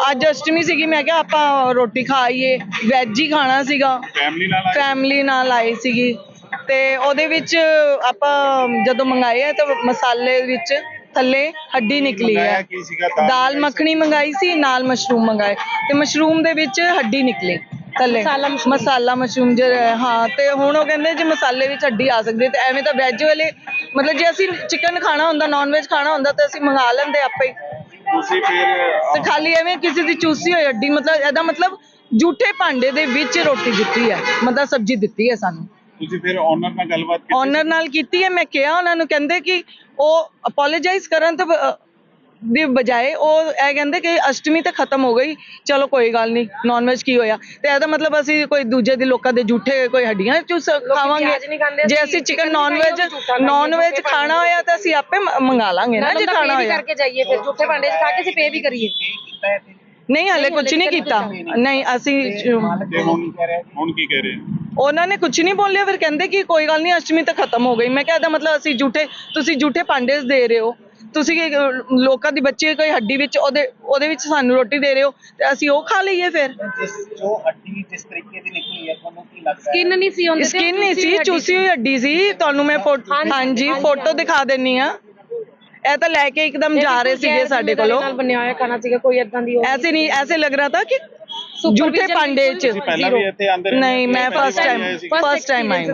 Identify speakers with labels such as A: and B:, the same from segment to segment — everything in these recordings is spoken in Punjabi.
A: ਅੱਜ ਅਸ਼ਟਮੀ ਸੀਗੀ, ਮੈਂ ਕਿਹਾ ਆਪਾਂ ਰੋਟੀ ਖਾ ਆਈਏ, ਵੈਜ ਹੀ ਖਾਣਾ ਸੀਗਾ। ਫੈਮਿਲੀ ਨਾਲ ਆਈ ਸੀਗੀ ਤੇ ਉਹਦੇ ਵਿੱਚ ਆਪਾਂ ਜਦੋਂ ਮੰਗਾਏ ਆ ਤਾਂ ਮਸਾਲੇ ਵਿੱਚ ਥੱਲੇ ਹੱਡੀ ਨਿਕਲੀ ਹੈ। ਦਾਲ ਮੱਖਣੀ ਮੰਗਾਈ ਸੀ, ਨਾਲ ਮਸ਼ਰੂਮ ਮੰਗਾਏ ਤੇ ਮਸ਼ਰੂਮ ਦੇ ਵਿੱਚ ਹੱਡੀ ਨਿਕਲੀ ਥੱਲੇ, ਮਸਾਲਾ ਮਸ਼ਰੂਮ ਹਾਂ। ਤੇ ਹੁਣ ਉਹ ਕਹਿੰਦੇ ਜੇ ਮਸਾਲੇ ਵਿੱਚ ਹੱਡੀ ਆ ਸਕਦੀ ਤੇ ਐਵੇਂ ਤਾਂ ਵੈਜ ਵਾਲੇ ਮਤਲਬ ਜੇ ਅਸੀਂ ਚਿਕਨ ਖਾਣਾ ਹੁੰਦਾ, ਨੌਨ ਵੈਜ ਖਾਣਾ ਹੁੰਦਾ ਤਾਂ ਅਸੀਂ ਮੰਗਾ ਲੈਂਦੇ ਆਪੇ ਹੀ। ਤੇ ਖਾਲੀ ਐਵੇਂ ਕਿਸੇ ਦੀ ਚੂਸੀ ਹੋਈ ਹੱਡੀ, ਮਤਲਬ ਇਹਦਾ ਮਤਲਬ ਜੂਠੇ ਭਾਂਡੇ ਦੇ ਵਿੱਚ ਰੋਟੀ ਦਿੱਤੀ ਹੈ, ਮਤਲਬ ਸਬਜ਼ੀ ਦਿੱਤੀ ਹੈ ਸਾਨੂੰ।
B: ਤੁਸੀਂ ਫਿਰ ਓਨਰ ਨਾਲ ਗੱਲਬਾਤ ਕੀਤੀ?
A: ਓਨਰ ਨਾਲ ਕੀਤੀ ਹੈ, ਮੈਂ ਕਿਹਾ ਉਹਨਾਂ ਨੂੰ, ਕਹਿੰਦੇ ਕਿ ਉਹ ਅਪੋਲੋਜਾਈਜ਼ ਕਰਨ ਤੋਂ ਦੀ ਬਜਾਏ ਉਹ ਇਹ ਕਹਿੰਦੇ ਕਿ ਅਸ਼ਟਮੀ ਤਾਂ ਖਤਮ ਹੋ ਗਈ, ਚਲੋ ਕੋਈ ਗੱਲ ਨਹੀਂ, ਨੌਨ ਵੈਜ ਕੀ ਹੋਇਆ। ਤੇ ਇਹਦਾ ਮਤਲਬ ਅਸੀਂ ਕੋਈ ਦੂਜੇ ਦੇ ਲੋਕਾਂ ਦੇ ਝੂਠੇ ਕੋਈ ਹੱਡੀਆਂ ਚੂਸ ਖਾਵਾਂਗੇ। ਜੇ ਅਸੀਂ ਚਿਕਨ ਨੌਨ ਵੈਜ ਖਾਣਾ ਹੋਇਆ ਤਾਂ ਅਸੀਂ ਆਪੇ ਮੰਗਾ ਲਾਂਗੇ ਨਾ, ਜੇ ਖਾਣਾ ਹੋਇਆ ਕਰਕੇ ਜਾਈਏ ਫਿਰ ਝੂਠੇ ਭਾਂਡੇ 'ਚ ਖਾ ਕੇ ਅਸੀਂ ਪੇ ਵੀ ਕਰੀਏ। ਨਹੀਂ ਹਲੇ ਕੁਝ ਨਹੀਂ ਕੀਤਾ, ਨਹੀਂ ਅਸੀਂ
B: ਹੁਣ ਕੀ ਕਹਿ ਰਹੇ
A: ਉਹਨਾਂ ਨੇ ਕੁਝ ਨਹੀਂ ਬੋਲਿਆ। ਫਿਰ ਕਹਿੰਦੇ ਕਿ ਕੋਈ ਗੱਲ ਨਹੀਂ, ਅਸ਼ਟਮੀ ਤਾਂ ਖਤਮ ਹੋ ਗਈ। ਮੈਂ ਕਿਹਾ ਇਹਦਾ ਮਤਲਬ ਅਸੀਂ ਤੁਸੀਂ ਝੂਠੇ ਭਾਂਡੇ ਦੇ ਰਹੇ ਹੋ, ਤੁਸੀਂ ਲੋਕਾਂ ਦੀ ਬੱਚੇ ਕੋਈ ਹੱਡੀ ਵਿੱਚ ਉਹਦੇ ਵਿੱਚ ਸਾਨੂੰ ਰੋਟੀ ਦੇ ਰਹੇ ਹੋ ਤੇ ਅਸੀਂ ਉਹ ਖਾ ਲਈਏ। ਫਿਰ
C: ਜੋ ਹੱਡੀ ਜਿਸ ਤਰੀਕੇ ਦੀ ਨਿਕਲੀ ਹੈ ਤੁਹਾਨੂੰ ਕੀ ਲੱਗਦਾ?
A: ਸਕਿਨ ਨਹੀਂ ਸੀ, ਚੂਸੀ ਹੋਈ ਹੱਡੀ ਸੀ। ਤੁਹਾਨੂੰ ਮੈਂ ਹਾਂਜੀ ਫੋਟੋ ਦਿਖਾ ਦਿੰਨੀ ਆ। ਇਹ ਤਾਂ ਲੈ ਕੇ ਇੱਕਦਮ ਜਾ ਰਹੇ ਸੀਗੇ ਸਾਡੇ ਕੋਲੋਂ,
D: ਬਣਿਆ ਹੋਇਆ ਖਾਣਾ ਸੀਗਾ, ਕੋਈ ਏਦਾਂ ਦੀ
A: ਐਸੇ ਨਹੀਂ, ਐਸੇ ਲੱਗ ਰਿਹਾ था कि ਝੂਠੇ ਭਾਂਡੇ 'ਚ। ਨਹੀਂ ਮੈਂ ਫਸਟ ਟਾਈਮ ਆਈ।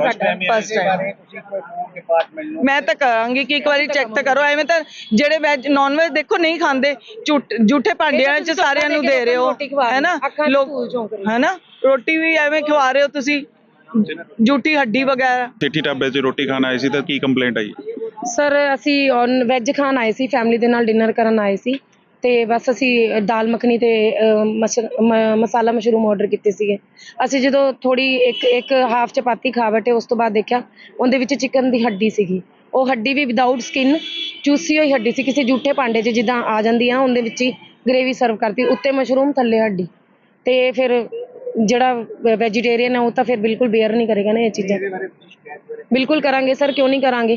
A: ਮੈਂ ਤਾਂ ਕਹਾਂਗੀ ਕਿ ਇੱਕ ਵਾਰੀ ਚੈੱਕ ਤਾਂ ਕਰੋ। ਐਵੇਂ ਤਾਂ ਜਿਹੜੇ ਵੈਜ ਨੌਨ ਵੈਜ ਦੇਖੋ ਨਹੀਂ ਖਾਂਦੇ, ਝੂਠੇ ਭਾਂਡਿਆਂ 'ਚ ਸਾਰਿਆਂ ਨੂੰ ਦੇ ਰਹੇ ਹੋ, ਹੈ ਨਾ ਲੋਕ, ਹੈ ਨਾ। ਰੋਟੀ ਵੀ ਐਵੇਂ ਖਵਾ ਰਹੇ ਹੋ ਤੁਸੀਂ, ਝੂਠੀ ਹੱਡੀ ਵਗੈਰਾ।
B: ਸੇਠੀ ਢਾਬੇ 'ਚ ਰੋਟੀ ਖਾਣ ਆਏ ਸੀ ਤਾਂ ਕੀ ਕੰਪਲੇਂਟ ਆਈ?
D: ਸਰ ਅਸੀਂ ਵੈਜ ਖਾਣ ਆਏ ਸੀ, ਫੈਮਿਲੀ ਦੇ ਨਾਲ ਡਿਨਰ ਕਰਨ ਆਏ ਸੀ ਤੇ ਬਸ ਅਸੀਂ ਦਾਲ ਮੱਖਣੀ ਤੇ ਮਸਾਲਾ ਮਸ਼ਰੂਮ ਆਰਡਰ ਕੀਤੇ ਸੀਗੇ। ਅਸੀਂ ਜਦੋਂ ਥੋੜੀ ਇੱਕ ਹਾਫ ਚਪਾਤੀ ਖਾ ਬੈਠੇ, ਉਸ ਤੋਂ ਬਾਅਦ ਦੇਖਿਆ ਉਹਦੇ ਵਿੱਚ ਚਿਕਨ ਦੀ ਹੱਡੀ ਸੀਗੀ। ਉਹ ਹੱਡੀ ਵੀ ਵਿਦਾਊਟ ਸਕਿਨ, ਚੂਸੀ ਹੋਈ ਹੱਡੀ ਸੀ, ਕਿਸੇ ਝੂਠੇ ਭਾਂਡੇ 'ਚ ਜਿੱਦਾਂ ਆ ਜਾਂਦੀ ਆ, ਉਹਦੇ ਵਿੱਚ ਹੀ ਗ੍ਰੇਵੀ ਸਰਵ ਕਰਤੀ, ਉੱਤੇ ਮਸ਼ਰੂਮ ਥੱਲੇ ਹੱਡੀ। ਤੇ ਫਿਰ ਜਿਹੜਾ ਵੈਜੀਟੇਰੀਅਨ ਹੈ ਉਹ ਤਾਂ ਫਿਰ ਬਿਲਕੁਲ ਬੇਅਰ ਨਹੀਂ ਕਰੇਗਾ ਨਾ ਇਹ ਚੀਜ਼ਾਂ। ਬਿਲकुल करांगे सर, क्यों नहीं करांगे।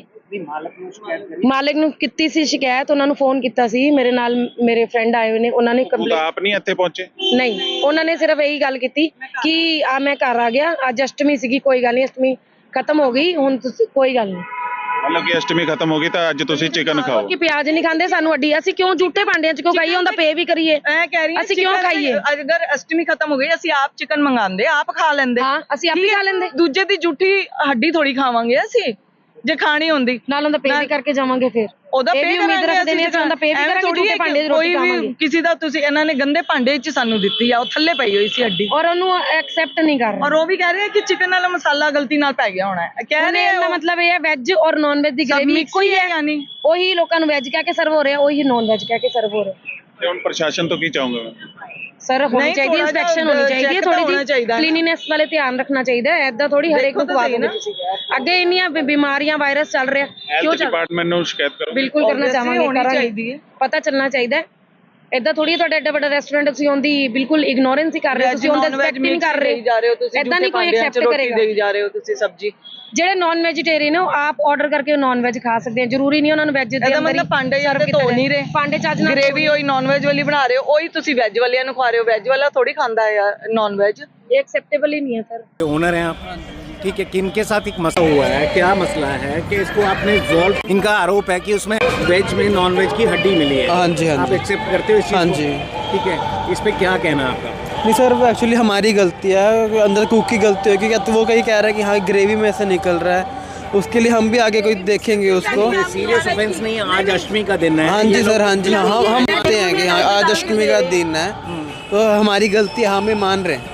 D: मालिक ਨੂੰ ਕੀਤੀ ਸੀ ਸ਼ਿਕਾਇਤ, ਉਹਨਾਂ ਨੂੰ ਫੋਨ ਕੀਤਾ ਸੀ। ਮੇਰੇ ਨਾਲ ਮੇਰੇ ਫਰੈਂਡ ਆਏ ਹੋਏ ਨੇ, ਉਹਨਾਂ ਨੇ
B: ਕੰਪਲੇਂਟ ਆਪ ਨਹੀਂ ਇੱਥੇ ਪਹੁੰਚੇ?
D: ਨਹੀਂ, ਉਹਨਾਂ ਨੇ ਸਿਰਫ ਇਹੀ ਗੱਲ ਕੀਤੀ ਕਿ ਮੈਂ ਘਰ ਆ ਗਿਆ, ਅੱਜ ਅਸ਼ਟਮੀ ਸੀਗੀ, ਕੋਈ ਗੱਲ ਨਹੀਂ, ਅਸ਼ਟਮੀ ਖਤਮ ਹੋ ਗਈ, ਹੁਣ ਤੁਸੀਂ ਕੋਈ ਗੱਲ ਨਹੀਂ।
B: मतलब कि अष्टमी खत्म होगी तो ਅੱਜ ਤੁਸੀਂ ਚਿਕਨ ਖਾਓ
D: ਕਿ ਪਿਆਜ਼ ਨਹੀਂ ਖਾਂਦੇ, ਸਾਨੂੰ ਅੱਡੀ, ਅਸੀਂ ਕਿਉਂ ਝੂਠੇ ਭਾਂਡਿਆਂ 'ਚ ਕਿਉਂ ਖਾਈਏ, ਉਹਦਾ ਪੇ ਵੀ ਕਰੀਏ।
A: ਮੈਂ ਕਹਿ ਰਹੀ ਹਾਂ
D: ਅਸੀਂ ਕਿਉਂ ਖਾਈਏ?
A: ਅਗਰ ਅਸ਼ਟਮੀ ਖਤਮ ਹੋ ਗਈ, ਅਸੀਂ ਆਪ ਚਿਕਨ ਮੰਗਾਉਂਦੇ, ਆਪ ਖਾ ਲੈਂਦੇ।
D: ਹਾਂ, ਅਸੀਂ ਆਪ ਹੀ ਖਾ ਲੈਂਦੇ।
A: ਦੂਜੇ ਦੀ ਝੂਠੀ ਹੱਡੀ ਥੋੜੀ ਖਾਵਾਂਗੇ ਅਸੀਂ, ਜੇ ਖਾਣੀ ਹੁੰਦੀ
D: ਨਾਲ ਉਹਦਾ ਪੇ ਵੀ ਕਰਕੇ ਜਾਵਾਂਗੇ। ਫਿਰ
A: ਉਹਦਾ ਪੇ
D: ਉਮੀਦ ਰੱਖਦੇ ਨੇ ਅਸੀਂ ਉਹਦਾ ਪੇ ਵੀ ਕਰਾਂਗੇ, ਝੂਠੇ ਭਾਂਡੇ 'ਚ ਰੋਟੀ ਖਾਵਾਂਗੇ।
A: ਕਿਸੇ ਦਾ ਤੁਸੀਂ ਇਹਨਾਂ ਨੇ ਗੰਦੇ ਭਾਂਡੇ 'ਚ ਸਾਨੂੰ ਦਿੱਤੀ ਆ, ਉਹ ਥੱਲੇ ਪਈ ਹੋਈ ਸੀ ਹੱਡੀ,
D: ਔਰ ਉਹਨੂੰ ਐਕਸੈਪਟ ਨਹੀਂ ਕਰ ਰਹੇ।
A: ਔਰ ਉਹ ਵੀ ਕਹਿ ਰਹੇ ਕਿ ਚਿਕਨ ਵਾਲਾ ਮਸਾਲਾ ਗਲਤੀ ਨਾਲ ਪੈ ਗਿਆ ਹੋਣਾ ਹੈ। ਕਹਿ ਰਹੇ
D: ਇਹਦਾ ਮਤਲਬ ਇਹ ਹੈ ਵੈਜ ਔਰ ਨੌਨ ਵੈਜ ਦੀ ਗ੍ਰੇਵੀ ਇੱਕੋ ਹੀ ਹੈ, ਯਾਨੀ ਉਹੀ ਲੋਕਾਂ ਨੂੰ ਵੈਜ ਕਹਿ ਕੇ ਸਰਵ ਹੋ ਰਿਹਾ, ਉਹੀ ਨੌਨ ਵੈਜ ਕਹਿ ਕੇ ਸਰਵ ਹੋ ਰਿਹਾ।
B: ਤੇ ਹੁਣ ਪ੍ਰਸ਼ਾਸਨ ਤੋਂ ਕੀ ਚਾਹੋਗੇ?
D: ਸਰ ਹੋਣੀ ਚਾਹੀਦੀ ਹੈ, ਇੰਸਪੈਕਸ਼ਨ ਹੋਣੀ ਚਾਹੀਦੀ ਹੈ, ਥੋੜੀ ਜਿਹੀ ਕਲੀਨਿਨੈਸ ਵਾਲੇ ਧਿਆਨ ਰੱਖਣਾ ਚਾਹੀਦਾ ਹੈ। ਐਦਾਂ ਥੋੜੀ ਹਰੇਕ ਨੂੰ ਖਵਾ ਦੇਣਾ। ਅੱਗੇ ਇੰਨੀਆਂ ਬਿਮਾਰੀਆਂ ਵਾਇਰਸ ਚੱਲ ਰਿਹਾ,
B: ਕਿਉਂ ਡਿਪਾਰਟਮੈਂਟ ਨੂੰ ਸ਼ਿਕਾਇਤ ਕਰੋ?
D: ਬਿਲਕੁਲ ਕਰਨਾ ਚਾਹਾਂਗੇ, ਕਰਾਂਗੇ, ਪਤਾ ਚੱਲਣਾ ਚਾਹੀਦਾ। ਏਦਾਂ ਥੋੜੀ ਤੁਹਾਡਾ ਐਡਾ ਵੱਡਾ ਰੈਸਟੋਰੈਂਟ, ਤੁਸੀਂ ਉਹਦੀ ਬਿਲਕੁਲ ਇਗਨੋਰੈਂਸ ਹੀ ਕਰ ਰਹੇ ਹੋ, ਤੁਸੀਂ ਉਹਦਾ ਰਿਸਪੈਕਟ ਨਹੀਂ ਕਰ ਰਹੇ ਜਾ ਰਹੇ ਹੋ, ਤੁਸੀਂ ਏਦਾਂ ਨਹੀਂ ਕੋਈ ਐਕਸੈਪਟ ਕਰੇਗਾ।
A: ਦੇਈ ਜਾ ਰਹੇ ਹੋ ਤੁਸੀਂ ਸਬਜ਼ੀ।
D: ਜਿਹੜੇ ਨਾਨ ਵੈਜੀਟੇਰੀਅਨ ਨੇ ਉਹ ਆਪ ਆਰਡਰ ਕਰਕੇ ਨਾਨ ਵੈਜ ਖਾ ਸਕਦੇ ਆ, ਜ਼ਰੂਰੀ ਨਹੀਂ ਉਹਨਾਂ ਨੂੰ ਵੈਜ ਦੇ ਅੰਦਰ।
A: ਮਤਲਬ ਭਾਂਡੇ ਜਾਂ ਧੋ ਨਹੀਂ ਰਹੇ,
D: ਭਾਂਡੇ ਚੱਜ ਨਾਲ
A: ਗ੍ਰੇਵੀ ਹੋਈ ਨਾਨ ਵੈਜ ਵਾਲੀ ਬਣਾ ਰਹੇ ਹੋ, ਉਹੀ ਤੁਸੀਂ ਵੈਜ ਵਾਲਿਆਂ ਨੂੰ ਖਵਾ ਰਹੇ ਹੋ। ਵੈਜ ਵਾਲਾ ਥੋੜੀ ਖਾਂਦਾ है यार नॉन वेज,
D: ये एक्सेप्टेबल ही नहीं है सर।
E: ओनर हैं आप, ठीक है, किनके साथ एक मसला हुआ है, क्या मसला है कि इसको आपने सॉल्व, इनका आरोप है कि उसमें वेज में नॉन वेज की हड्डी मिली है।
F: हाँ जी, हाँ
E: आप
F: जी,
E: एक्सेप्ट करते हो इस चीज़
F: हाँ
E: को?
F: जी,
E: ठीक है, इस पे क्या कहना है आपका?
F: नहीं सर, वो एक्चुअली हमारी गलती है, अंदर कुक की गलती है, क्योंकि वो कहीं कह रहा है कि हाँ ग्रेवी में से निकल रहा है, उसके लिए हम भी आगे कोई देखेंगे उसको।
E: सीरियस ऑफेंस नहीं है, आज अष्टमी का दिन है।
F: हाँ जी सर, हाँ जी, हाँ हम मानते हैं कि हाँ आज अष्टमी का दिन है, तो हमारी गलती हमें मान रहे हैं।